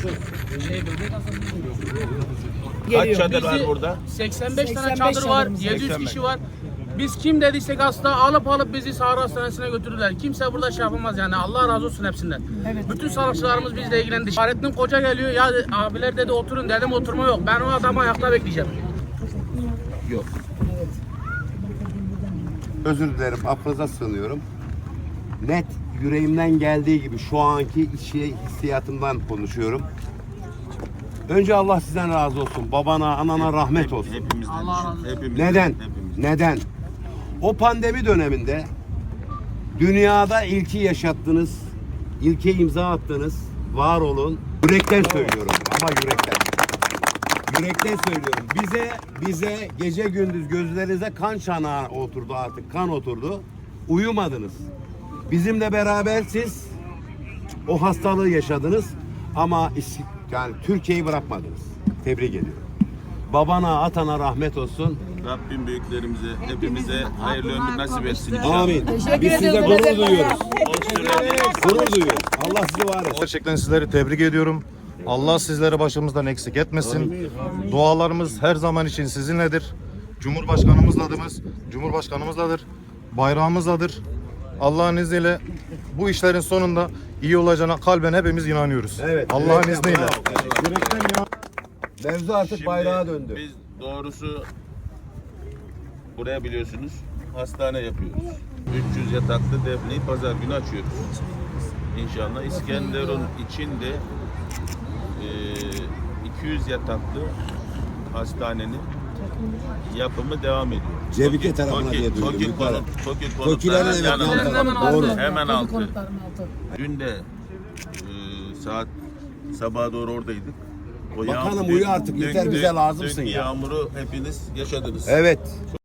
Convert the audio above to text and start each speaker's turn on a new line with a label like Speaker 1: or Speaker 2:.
Speaker 1: Kaç çadır var
Speaker 2: Bizi
Speaker 1: burada?
Speaker 2: 85 tane
Speaker 3: 85
Speaker 2: çadır var,
Speaker 3: çadırımız var.
Speaker 2: 700 kişi var. Biz kim dediysek hasta alıp bizi Sahra Hastanesi'ne götürürler. Kimse burada şey yapamaz yani. Allah razı olsun hepsinden.
Speaker 3: Evet.
Speaker 2: Bütün sağlıkçılarımız bizle ilgilendi. Fahrettin Koca geliyor. Ya abiler dedi oturun, dedim oturma yok. Ben o adamı ayakta bekleyeceğim.
Speaker 1: Yok.
Speaker 4: Özür dilerim, affınıza sığınıyorum. Net yüreğimden geldiği gibi şu anki hissiyatımdan konuşuyorum. Önce Allah sizden razı olsun. Babana, anana rahmet olsun.
Speaker 1: Hepimizden.
Speaker 2: Allah razı olsun.
Speaker 1: Hepimizden,
Speaker 4: Neden?
Speaker 1: hepimizden.
Speaker 4: Neden? O pandemi döneminde dünyada ilki yaşattınız, ilke imza attınız. Var olun. Yürekten söylüyorum ama yürekten. Yürekten söylüyorum. Bize gece gündüz gözlerinize kan çanağı oturdu artık. Kan oturdu. Uyumadınız. Bizimle beraber siz o hastalığı yaşadınız ama yani Türkiye'yi bırakmadınız. Tebrik ediyorum. Babana, atana rahmet olsun.
Speaker 1: Rabbim büyüklerimize, hepimize hayırlı ömür nasip etsin.
Speaker 4: Amin.
Speaker 3: Teşekkür
Speaker 4: Biz size
Speaker 3: ederim.
Speaker 4: gurur duyuyoruz.
Speaker 1: O sürede
Speaker 4: Gurur duyuyoruz. Allah sizi var etsin.
Speaker 5: Gerçekten sizleri tebrik ediyorum. Allah sizleri başımızdan eksik etmesin. Dualarımız her zaman için sizinledir. Cumhurbaşkanımızladır. Bayrağımızladır. Allah'ın izniyle bu işlerin sonunda iyi olacağına kalben hepimiz inanıyoruz.
Speaker 4: Evet.
Speaker 5: Allah'ın
Speaker 4: Evet,
Speaker 5: izniyle.
Speaker 4: bravo.
Speaker 5: Yürekten inan-
Speaker 4: Mevzu artık
Speaker 1: şimdi
Speaker 4: bayrağa döndü.
Speaker 1: biz doğrusu buraya biliyorsunuz hastane yapıyoruz. 300 yataklı Defne'yi pazar günü açıyoruz. İnşallah İskenderun içinde 200 yataklı hastanenin yapımı devam ediyor.
Speaker 4: Cevike tarafına diye duydum, yukarı. Tokilerin evet, yan tarafı. Doğru.
Speaker 1: Hemen altı.
Speaker 3: Konuklarım altı.
Speaker 1: Dün de saat sabaha doğru oradaydık. O
Speaker 4: Bakanım
Speaker 1: yağmur-
Speaker 4: uyu artık, yeter, bize lazımsın
Speaker 1: dünkü
Speaker 4: ya.
Speaker 1: yağmuru hepiniz yaşadınız.
Speaker 4: Evet.